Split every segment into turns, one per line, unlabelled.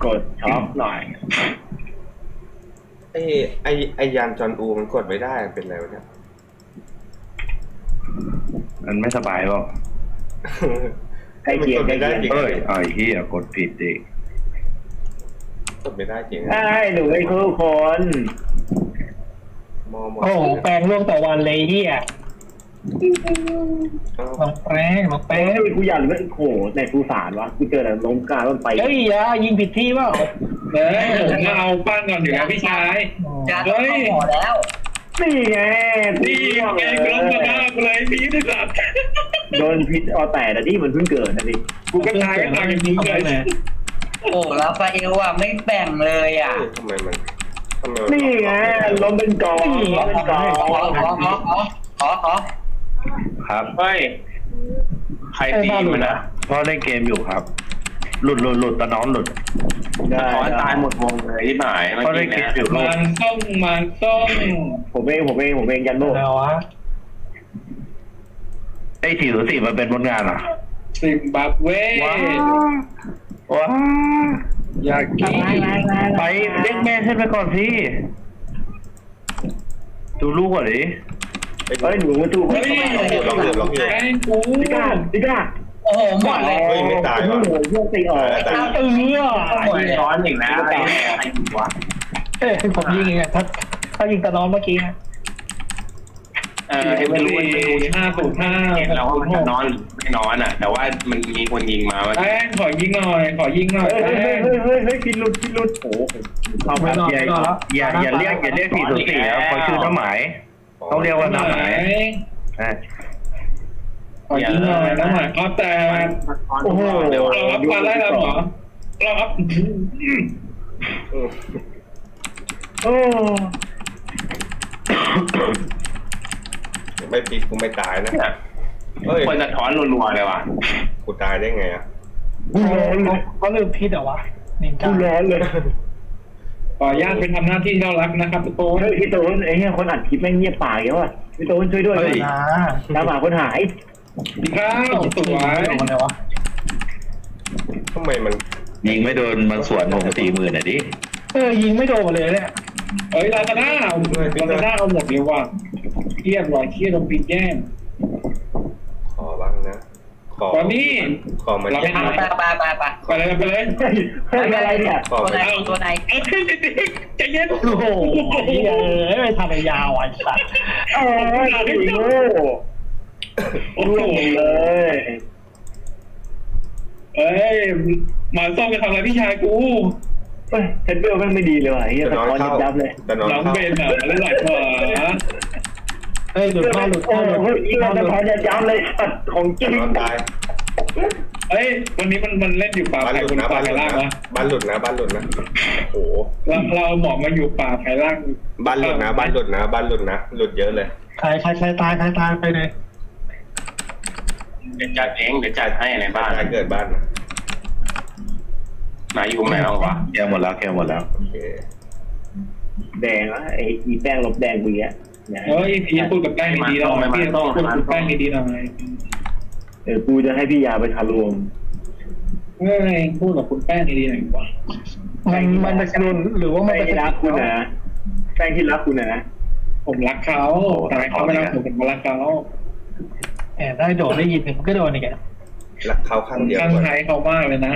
กดช็อปหน่อย
ไอ้ไอยานจอนอูมันกดไม่ได้เป็นไรวะเนี่ย
มันไม่สบายเปล่า
ใกล้เคียงใกล้เคียง
จริง
เอ้ยไอ้เหี้ยกดผิดดิ
กดไม่ได้จริง
ใช่หนูไอ้คู่คน
มอหมด
โอ้โหแปลงร่วงต่อวันเลยเฮีย
เอ้า
ลองแปลงลองแปล
เอ้
ง
ยกูอยากรู้โอ้โหในภูสารวะกูเจอแต่ล้มกลางต้นไป
เฮ้ยอย่ายิงผิดที่เปล่า
ผมมาเอาปั้นก่อนอยู่นะพี่ชาย
จะต้องเข้าหมอแล้ว
นี่ไง
นี่ไงกล้องกระด้างเลยพี่ที่สัตว์
โดนพิษออแต่แต่ที่มันเพิ่งเกิดนะดิ
กูก็ตายก็ตายอย่างนี้เลย
โอ้ลาฟาเอลอ่ะไม่แบ่งเลยอ่ะ
ทำไมมัน
นี่ไงล้มเป็นกองล้มเป็นกอง
ขอ
ครับ
เฮ้ย ใครตีมันนะ
พ่อเล่นเกมอยู่ครับ หลุดตะน้องหลุด
ได้
ขอตายหมดวงเลยที่หมายเมื่อ
พ่อเล่
กี้
นเก
เนี่
ม
ย
อยู่ลูก
มันต้อง
ผมเองยันโลก
อะไรวะ
ไอ้404มันเป็นผลงานอ่ะ
ซิมบับเว
ว้าว้า
อยากกิน
ไปเรียกแม่ขึ้นไปก่อนสิดูลูกก่อนดิ
เฮ้ยหนูมาตู้
เฮ้ย
ลองอยู่
แกงกู
ดิก้า
โอ้โหหมดเลย
เฮ้ยไม่ตาย
โอ้
วะ
โหพวกตีออก
ตาย
เออ
ซ้อนอีกแล้วใครอยู่วะ
เอ้ยผมยิงไงถ้ายิงตะนอนเมื่อกี้นะ
ไม่รู้มันไม่รู้
505
เห็นแล้วว่ามันจะนอนหรือไม่นอนอ่ะ แต่ว่ามันมีคนยิงมาว่า
แป้งขอยิงหน่อย
เฮ้ยกินหลุดโอ้โหเข้า
ไม่
มาน
อน
อย่าเรียก404แล้วเขาชื่อน้าหมายต้องเรียกว่าน้าหมายอ่ะ
ขอยิงหน่อยนะหมายเขาแต่
โอ้โห
เราอัพมาได้แล้วเหรอเราอัพ
โอ้
ไม่พิษกูไม่ตายนะเฮ้ย
คนจะถอนรัวๆเลยว่ะ
กูตายได้ไงอ่ะ
กูร้อนเลย
เขาลืมพิษเหรอวะนินจา
กูร้อนเลย
ขออนุญาตไปทำหน้าที่ที่เรารักนะครับทุกคน
เฮ้ยพี่โต้นไอ้เนี่ยคนอัดคลิปแม่งเงียบปากอย่างวะพี่โต้นช่วยด้วย
นะ
ตามหาคนหาย
ข้าวสวย
อะไรวะ
ทำไมมัน
ยิงไม่โดนมันสวนผม40,000อ่ะดิ
ยิงไม่โดนเลยเนี่ย
เฮ้ยลาซาด้าเอาหมดเลยว่ะเครียดว่ะเครียดโดนปีแย่ง
ขอบ้างนะขอ
ตอนนี้
ขอมา
ไป
ไปเลย
เฮ้ยอะไรเนี่ย
ขอ
ตัวไหน
ใจเย็น
โอ้โหไม่ทำยาวไอ้สัตว์
โอ้ยโง่
โอ้
ร่ว
โห
งเลย
เอ้ยหมาส้มจะทำอะไรพี่ชายกู
เฮ้ยเทนเบลแม่งไม่ดีเลยว่ะไอ้เหี้ย
จะ
สะ
นอน
ท้อน
เข้า
ยับเลย
จะนอน
น้อง
เข้า
เบนอ่ะแล้วหลายขวา
หลุดเข้าหลุด
โอ้
เข้าหลุด
โหยิงสะท้อนยับเลยสัตว์ของจริง
นอนตาย
เฮ้ยวันนี้มันเล่นอยู่ป่า
บ้าน
ไผ่
หลุ
บ
ด
น
นะ
ป่า
บ้านห
ไผ่
ลุด
ล่าง
นะ
นะ
บ้านหลุดนะบ้านหลุดนะโอ้โห
เราหมอกมาอยู่ป่าไผ่ล่าง
บ้านหลุดนะบ้านหลุดนะบ้านหลุดนะหลุดเยอะเลย
ใครตายไปเลย
เดี๋ยวจัดเองเดี๋ยวจัดให้ในบ้าน
ตายเกิดบ้านนะ
มาอยู่ไหนบ้างวะ
แกหมดแล้ว
โอเค
แดงอ่ะไอ้อีแป้งลบแดงกูอ่ะ
เฮ้ยพี่พูดกับแป้งดีๆหน่อยพี่พูดกับแป้งดีๆหน่อย
กูจะให้พี่ยาไปทะลวง
เฮ้ยพูดกับคุณแป้งดีๆหน่อยดีกว่า
มันจะกระโดนหรือว่ามัน
แป้ง
จะ
ที่รักคุณนะแป้งที่รักคุณนะ
ผมรักเขาแต่เขาไม่รักผมรักเขา
แอบได้โดดได้ยินมันก็โดนอีก
รักเขาข้างเดียว
ข้าง
ก่อน
ใครเขามากเลยนะ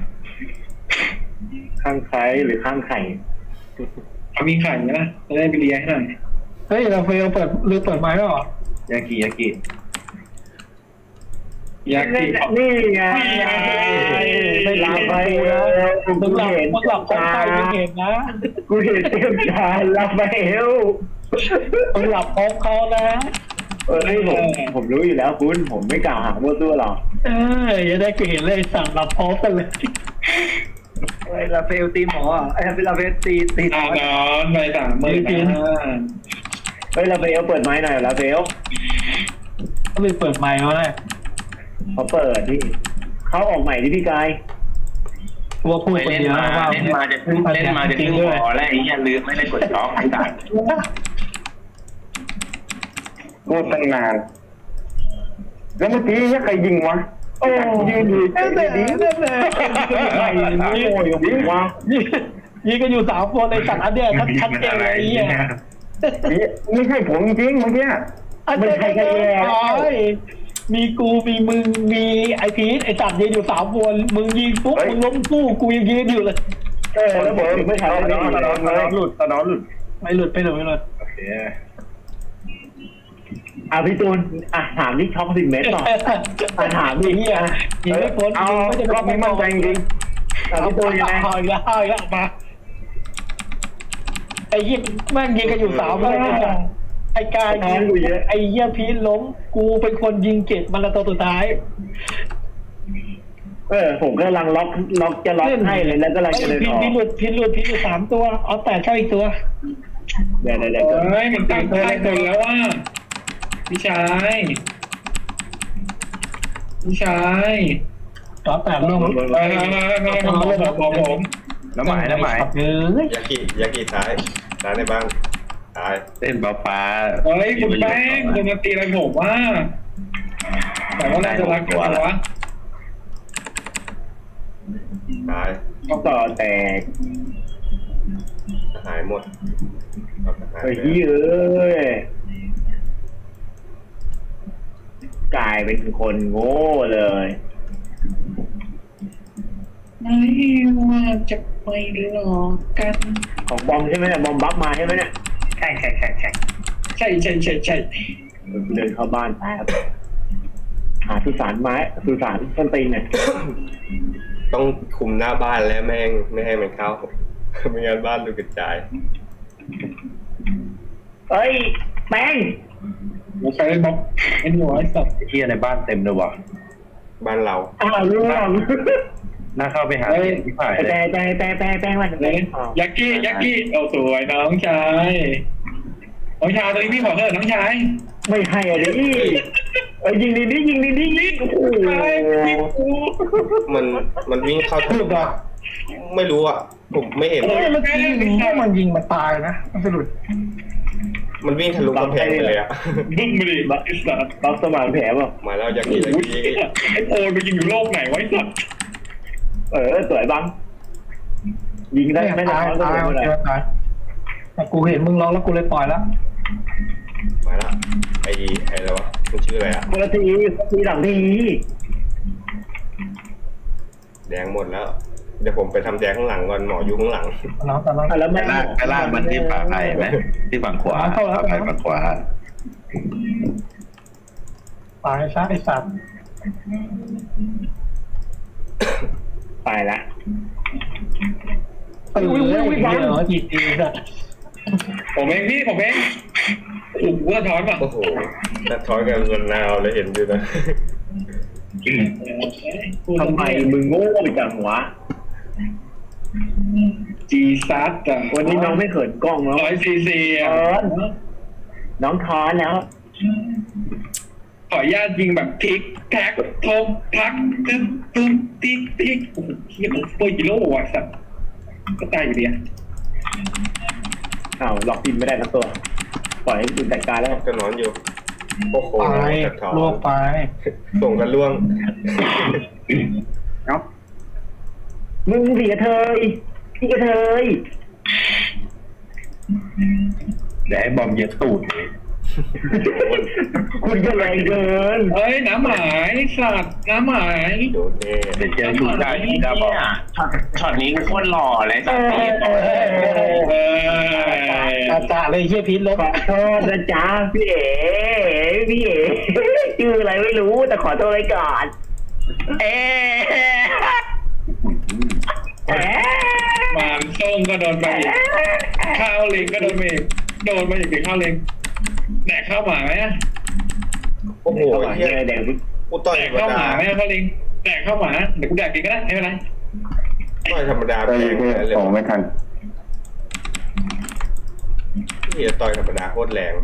ข้างใครหรือข้างไข่
เขามีไข่ไหมล่ะจะได้ไปเลี้ยงให้หน่อย
เฮ้ยเราเปิดไม้แล้วหรอย
ากิ
อยากกิน
นี่ไงลาไปแล้ว
มึงหลับพร้อมใครมึงเห็นนะ
กูเห็นเต็มตาลาไปเอล
มึงหลับพร้อมเขานะ
ผมรู้อยู่แล้วคุณผมไม่กล่าวหามั่วตัวหรอก
อย่าได้เห็นเลยสั่งหลับพร้อมกันเลย
ลาเฟลตีหมอไอ้ลาเฟลตี
นอนไป30,000นะ
เฮ้ยลาเฟลเปิดไม้หน่อยลาเฟล
ก็เลยเปิดไม้แล้วเลย
เขาเปิดที่เขาออกใหม่ที่พี่กาย
ตัวพูด
ไป
คน
เล่น
เดียว
มา
ว่า
เล่นมาจะครึ่งพอแล้วไอ้เหี้ยลืมไม่ได้กดล็อกไอ้สัตว์
พูดตั้งนานแล้วเมื่อกี้ใครยิงวะโอ้ยืนอยู่
นั่นแหละนั่นแหละ
ใครโง่อยู่วะ
ยิงกันอยู่3 คนในสัตว์อันเนี้ยชัดเจนเลยไอ้เหี้ย
ไม่ใช่ผมจริงเมื่อกี้ไม่ใช่แค่แย่
มีกูมีมึงมีไอพีทไอสัตว์ยืนอยู่3 คนมึงยิงปุ๊บมึงล้มกู้กูยังยืนอยู่เลย
แล้วผมไม่ใช่ตอนหลุด
ไม่หลุดไม่หลุด
โอเค
พี่ตูนถามที่ช็อก10 เมตรหน่อยถามดิ
เหี้ยยิงไม่พ้น
เอารอบนี้มั่นใจจริงพี่ตูนยังไง
เอาอีกแล้วมาไอ้เหี้ยแม่งยิงกันอยู่3 คนไอ้กายยิงไอ้เหี้ยพีทล้มกูเป็นคนยิงเก็บมันละตัวสุดท้าย
ผมกำลังล็อกจะล็อกให้เลยแล้วกำลังจะเดินออก
พิษหลุด3 ตัวเอาแต่เข้าอีกตัว
เดี๋ยว
เฮ้ยมันตั้งค่ายคนแล้วว่าพี่ชาย
ต่อแต่ร่วง
บอกผม
น้ำหมาย
ยากิซ้ายในบ้านตาย
เต้นฟ้า
เฮ้ยคุณแป้งคุณมาตีอะไรผมว่าแต่ว่าน่าจะรักกันวะ
ตาย
ต่อแตก
หายหมด
เฮ้ยกลายเป็นคนโง่เลย
ไม่ว่าจะไปหลอกกัน
ของบอมใช่ไหมเนี่ยบอมบัฟมาใช่ไหมเนี่ย
ใช่
เดินเข้าบ้านแป๊บหาสุสานต้นตีนเนี่ย
ต้องคุมหน้าบ้านแล้วไม่ให้มันเข้าไม่งั้นบ้านดูกระจาย
เฮ้ยแป้ง
ผมใช้บล็อกไอ้หัวไอ้สัตว์
เที่ยในบ้านเต็มเลยว่ะ
บ้านเรา
ร่วง
น่าเข้าไปหาที่ฝ่ายเลย
แต่วัน
เลยยักกี้เอาสวยน้องชายตอนนี้พี่บอกเถอะน้องชาย
ไม่ให้อะไรยิงดีโอ้โห
มันวิ่งเข้าทะลุไม่รู้อ่ะผมไม่เห็น
มันยิงมันตายนะมันสะดุด
มันวิ่งทะลุกำแพงไปเลยอ่ะ
บึ้มไปดิบักอิสระ
บัฟสมานแผลป่ะ
มาแล้วยากิ
ไอ้โอนไปยิงอยู่โลกไหนไว้สัตว์
สวยบังยิงได้ไม่ได้
ตายแต่กูเห็นมึงร้องแล้วกูเลยปล่อยแล้ว
มาแล้วไอ้อะไรวะมันชื่ออะไรอ่ะ
คนละทีหลังที
แดงหมดแล้วเดี๋ยวผมไปทำแดงข้างหลังก่อนหมออยู่ข้างหลัง
น้องแต่น้อง
แล้ว
ไป
ไม่
ลากมันที่ฝั่งไผ่ไหมที่ฝั่งขวาไผ่ฝั่งขวา
ตายซะไอสัตว์
ไปละ
จีจีอะ
ผมเองโอ้โหสะท้อนป่ะ
โอ้โหนัดทอยกันนาวเลยเห็นดูนะ
ทำไมมึงโง่จังวะ
จีซัดอ่ะ
วันนี้น้องไม่เขินกล้องแล้ว
100cc อ่ะ
น้องทอนแล้ว
ขออนุญาตยิงแบบทิกแท็กทบพักตึ๊บติ๊กโอ้โหเฮียมันเฟอร์กิโลว่ะสัตว์ก็ตายอยู่ดีอ่ะ
หลอกกินไม่ได้ทั้งตัวปล่อยให้คุณจัดการแล้ว
ก็นอนอยู่โอ้โห
ไปลวกไป
ส่งกันล่วง
มึงเสียเธอพี่กระเทย
เดี๋ยวให้บอมเย็ดตูดเลย
คุณก็แรงเกิน
เฮ้ยน้ำหมายสัตว์น้ำหมาย
โดนแน่
เดี๋ยวเจออยู่ได้ที่ดาบอม
ช็อตนี้โคตรหล่อเลยสัตว์
อาจารย์เลยเฮียพีทลบ
ขอโทษนะจ๊ะพี่เอ๋ชื่ออะไรไม่รู้แต่ขอโทษไว้ก่อน
หมานส้มก็โดนไปอีกข้าวเล็งก็โดนไปอีกโดนมาอีกข้าวเล็งแดกข้าวหมาไหม
โอ้โห
เฮียแดง
กูต่อย
แด
ธ
ก
รรม
ข้าวห
ดา
มาไหมข้าวเล็งแดกข้าวหมาเดี๋ยวกูแดกกินก็ได้ไม่เป็นไร
ต่อยธรรมดาแพงเลย
ส่งไม่ทัน
ที่ต่อยธรรมดาโคตรแรง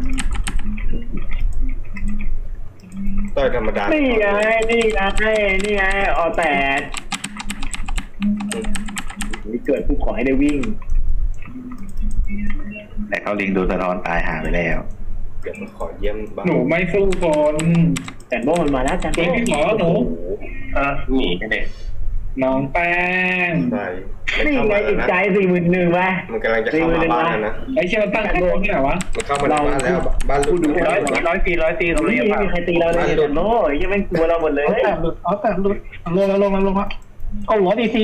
ต่อยธรรมดา
นี่ไงออแต่นี่เกิดผู้ขอให้ได้วิ่ง
แต่เขาลิงดูสะท้อนตายหาไปแล้ว
เดี๋ยวผมขอเยี่ยมบ้าง
หนูไม่สู้คน
ใจแต่โม่มันมาแล้วจัน
เฮ้ยพี่หมอหนู
หนีกันเด็ก
น้องแป้ง
ใช่ไม่
นี่
เข้า
ไง
มา
อีก
นะ
ใจ41,000ไหม
มันกำลังจะเข้ามาบ้านแล้วนะ
ไอ้เชี่ยมันตั้งแต่ต้นที่ไหนวะ
มันเข้ามาในบ้านแล้วบ้านลูก
ร้อยตีเขา
นี่
เรียก
ไม่
ว่า
มีใครตีเราเลยแต่โม่ยังไม่กลัวเราหมดเลย
เอาแต่หลุดลงแล้วเอา100 DC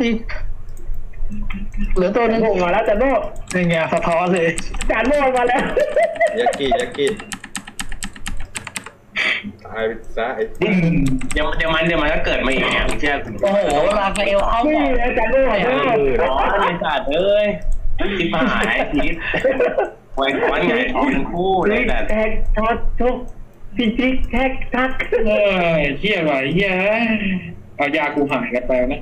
เหลือตัวนึง
โม่มาแล้วจันโม่
นี่ไงสะท้อนเลย
จันโม่มาแล้ว
ยักกี้ตายไปซะไอ้
เดี๋ยวมันก็เกิดมาอีกเนี่ยเชื่อ
โอ้โหราฟาเอลเอา
นี่นะจันโม่
ไอ้สัตว์เอ้ยที่หายทิศไว้ก้อนไงท้องทั้งคู่เลยแต่
แท็กทักทุกจิ๊กแท็กทัก
เฮ้ยเชี่ยไหวเหี้ยเอายากูหายกันไปนะ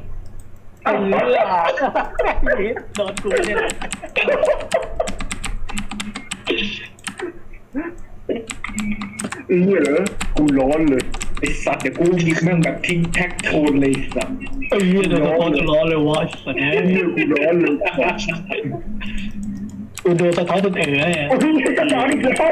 โดนกูเนี่ย
เหรอกูร้อนเลย
ไอ้สัตว์เดี๋ยวกูยิงแม่งแบบทิ้งแท็กโทนเลยสัตว์
ไอ้เหี้ยโดนสะท้อนจะร้อนเลยวะสัตว์เนี่ย
กูร้อนเลย
กูโดนสะท้อนจนเนี่ย
โอ้ยจะร้อนอีกแล้ว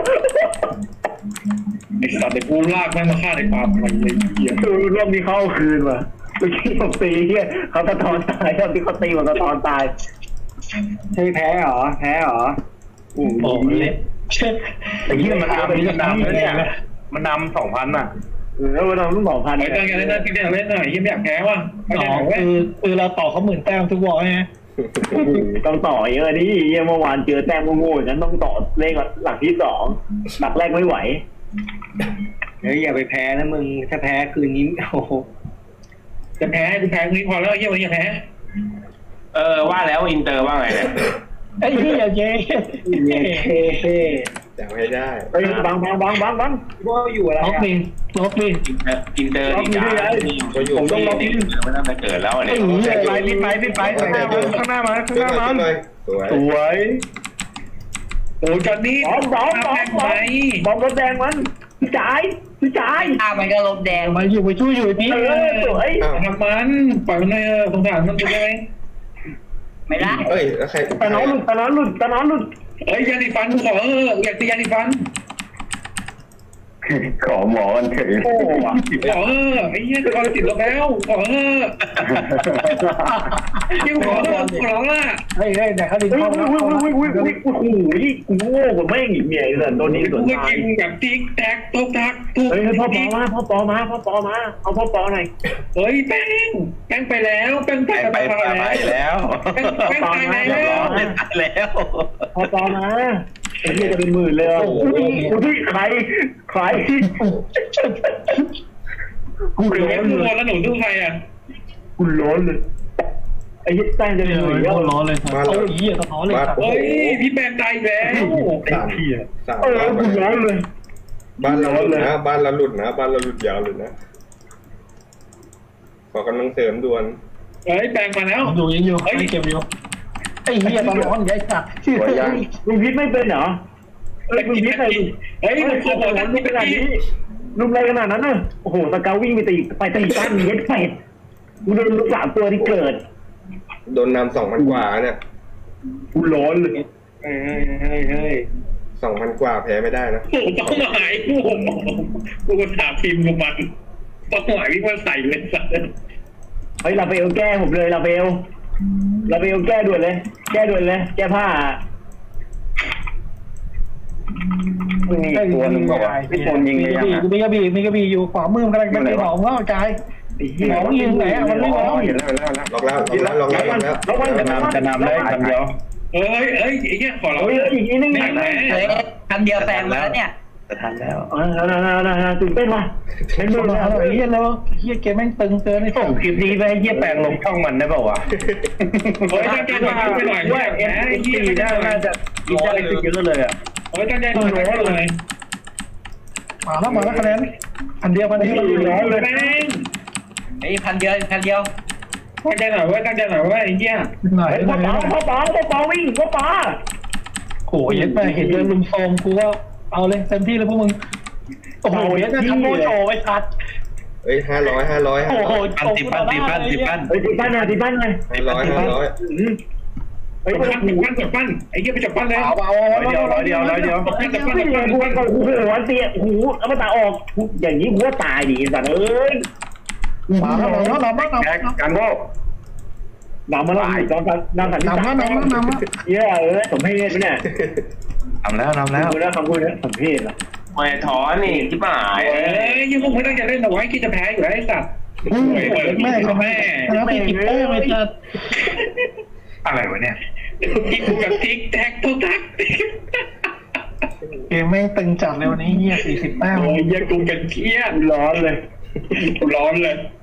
ไอ้สัตว์เดี๋ยวกูลากแม่งมาฆ่าในความมันเลยเหี้ย
รอบนี้เขาเอาคืนว่ะเมื่อกี้ผมตีเฮียเขาสะท้อนตายรอบที่เขาตีมันสะท้อนตายใช่แพ้เหรอโอ้
โอ้
ย
เละ
แต่ที่มันนำแล้วเนี่ยมันนำ2,000อ่ะ
แล้วเราต้องบอกพัน
ไอ้ตั้งใจเล่นหน้าที่เล่นหน่อยยังไม่อยากแพ้ว่ะ
สองคือเราต่อเขา10,000 แต้มทุกวอลไง
ต้องต่อเยอะดิเมื่อวานเจอแต้มโง่ๆอย่างนั้นต้องต่อเลขหลักที่2หลักแรกไม่ไหว
เฮ้ยอย่าไปแพ้นะมึงถ้าแพ้คืนนี้โอ้โห
จะแพ้กูแพ้นี้พอแล้วเหี้ยวันนี้อย่าแพ้
ว่าแล้วอินเตอร์ว่าไงเนี่ย
ไอ้เหี้ยเย้
จะไม่ได้
เฮ้ยบัง
ว่าอยู่อะไร
ล็อก
อ่ะ
ดิล็อกดิ
อินเตอร์ดีจ้าผมต้องล็อกมันน่าจะเกิดแล้วเนี่ย
ไปพี่ไปข้างหน้ามัน
สวย
โอ้จอนนี่
บอมรถแดงมันพี่จ่าย
ฆ่ามันก็ลบแดง
มาอยู่ไปช่วยอยู่พี่
สวย
ทำมันปล่อยมันเลยสงสารมันไปเลย
ไม่ได้
เอ้ยแล้วใคร
ตะน้องหลุด
เฮ้ยยาสีฟันขออยากตียาสีฟัน
ขอหมอกันเฉย
โอ้ว่ะ
ขอไอ้เหี้ยตะกอนติดลบแล้วขอยังขอละ
เฮ้ยแต่เขาดิ
อุ้ยโอ้โหกูโง่กว่าแม่งอีกเนี่ยเลยตัวนี้ส
กู
วน
ก็
ทาง
ยิงแบบติ๊กแท็กตุ๊กทักตุ๊ก
เฮ้ยพ่อปอมาเอาพ่อปอหน่อย
เฮ้ยแป้งไปแล้วแป้งไป
แล้ว
แป้งตายแล้ว
แล้ว
พ่อปอมาไอ้เหี้ยจะเป็นหมื่นเลยอ่ะอุ้ยใครกู
เดี๋ยว
ร้อน
กู
เลย
แล้วหนูดูใครอ่ะ
กูร้อนเลยไอ้เหี้ยแต้งจะเป็นหมื่นแล้ว
ร้อนเลยโอ้ยเหี้ยสะท้อนเลย
เฮ้ยพี่แป้งตายแล้ว
กูร้อนเลย
บ้านเราหลุดนะบ้านเราหลุดยาวเลยนะขอกำลังเสริมด่วน
เฮ้ยแป้งมาแล้ว
ยังอยู่ไม่เก็บอยู่ไอ้เหี้ยตอนร้อนใหญ่สัตว์
ลุงพิษไม่เป็นเหรอลุงพิษใคร
เฮ้ยมันโคตร
ลุงขนาดนี้ลุงอะไรขนาดนั้นน่ะโอ้โหสเกลวิ่งไปตีตั้นเย็ดเป็ดกูโดนลูก3ตัวที่เกิด
โดนนำ2,000 กว่าเนี่ย
กูร้อนเลย
เฮ้ย
2,000 กว่าแพ้ไม่ได้นะ
โอ้ต้องหายกูก็ถามทีมกูมันต้องหายวิ่งมาใส่เลยสัตว์
เฮ้ยลาเบลแก้ผมเลยลาเบลแก้ด่วนเลยแก้ผ้า
มีตัวนึงบอกว่าพี่คนยิงเลยยัง
มีกระบี่อยู่ขวามือกำลังเป็นหนองแล้วกายหนองยิงไหนมันไม่ร้อน
เห็นแล้ว
ล็อกแล้ว
จะนำได้คำเดียว
เฮ้ยไอ้เงี้ยขอเรา
เฮ้ยอีกนิดนึง
เฮ้ยคำเดียวแปลงมาแล้วเนี่ย
จะทันแล้ว
ตื่นเต้นว่ะเป็นมือ
มา
แล้ว
เหี้ยแล้วเหี้ยเกมแม่งตึงเกินไอ้
ส่งคลิปนี้ไปให้เยี่ยแปลงลงช่องมันได้เปล่าวะ
เฮ้ยตั้งใจหน่อยไปหน่อยว่าแพ้ไอ้เหี้ย
น่าจะกินได้ขึ้นเยอะเลยอ่ะ
เฮ้ยตั้งใจหน่อยเลย
มาแล้วคะแนนอันเดียวร้อนเลย
แป้ง
ไอ้พันเดียว
ตั้งใจหน่อยว่าไอ้เหี้ย
หน่อย
พ่อปอวิ่งพ่อปอ
โหยัดไปเห็นเดินลุมโซมกูก็เอาเลยเต็มที่เลยพวกมึงโอ้โหยัดจะทำโมโชว์ไอ้ชัด
เอ้ย500
โอ้โห
ตีปั้น
เฮ้ยตีบ้านไง
500
เฮ้ย
จับปั้นไอ้เหี้ยไปจับปั้นเลย
ร้อยเดียว
จับปั้น
ไม่เลยกูก็โอ้โหเสียโอ้โหเอามาตาออกอย่างนี้กูว่าตายดิสัตว์เอ้ย
มาแล้ว
แท็กกันโก้
นำมาแล้วนำสันนิษฐานเยอะสมเพศไหมเนี่ย
ทำแล้ว
กูแล้วคำพูดนี้สมเพศอ่ะ
ไม่ถอนนี่ที่หาย
ยังคงไม่ตั้งใจเล่นเอาไว้คิดจะแพ้อยู่แล้วไอ้สัตว์แม่ก็แม่
แล้วไปติดแต้มไม่จัด
อะไรวะเนี่ย
กิ๊กกับทิกแท็กทุกทัก
เกมไม่ตึงจัดเลยวันนี้เหี้ย40 แต้ม
โอ้ยยังกูกันเครียด
ร้อนเลย
ร้อนเลย
เ